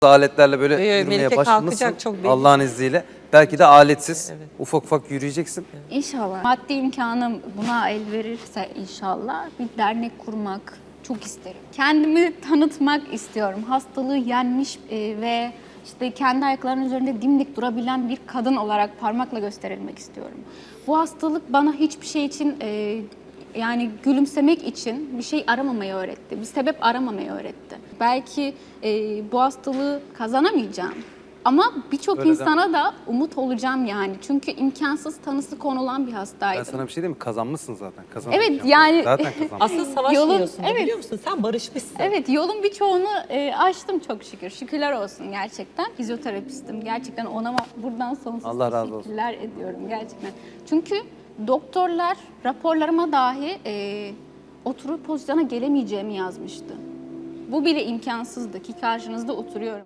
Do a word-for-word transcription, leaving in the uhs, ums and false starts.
aletlerle böyle Ee, yürümeye Melike başlamışsın kalkacak çok belli. Allah'ın izniyle. Belki de aletsiz Evet. ufak ufak yürüyeceksin. İnşallah. Maddi imkanım buna el verirse inşallah bir dernek kurmak çok isterim. Kendimi tanıtmak istiyorum. Hastalığı yenmiş e, ve işte kendi ayaklarının üzerinde dimdik durabilen bir kadın olarak parmakla gösterilmek istiyorum. Bu hastalık bana hiçbir şey için e, yani gülümsemek için bir şey aramamayı öğretti. Bir sebep aramamayı öğretti. Belki e, bu hastalığı kazanamayacağım. Ama birçok Öyle insana da umut olacağım yani. Çünkü imkansız tanısı konulan bir Ben hastaydım. sana bir şey diyeyim mi? Kazanmışsın zaten. Evet, Kazanamayacağım. yani- Zaten kazanmışsın. Aslında savaşmıyorsun Yolun- da evet. biliyor musun? Sen barışmışsın. Evet, yolun birçoğunu e, aştım çok şükür. Şükürler olsun gerçekten. Fizyoterapistim. Gerçekten ona buradan sonsuz Allah razı olsun. teşekkürler ediyorum gerçekten. Çünkü doktorlar raporlarıma dahi e, oturup pozisyona gelemeyeceğimi yazmıştı. Bu bile imkansızdı ki karşınızda oturuyorum.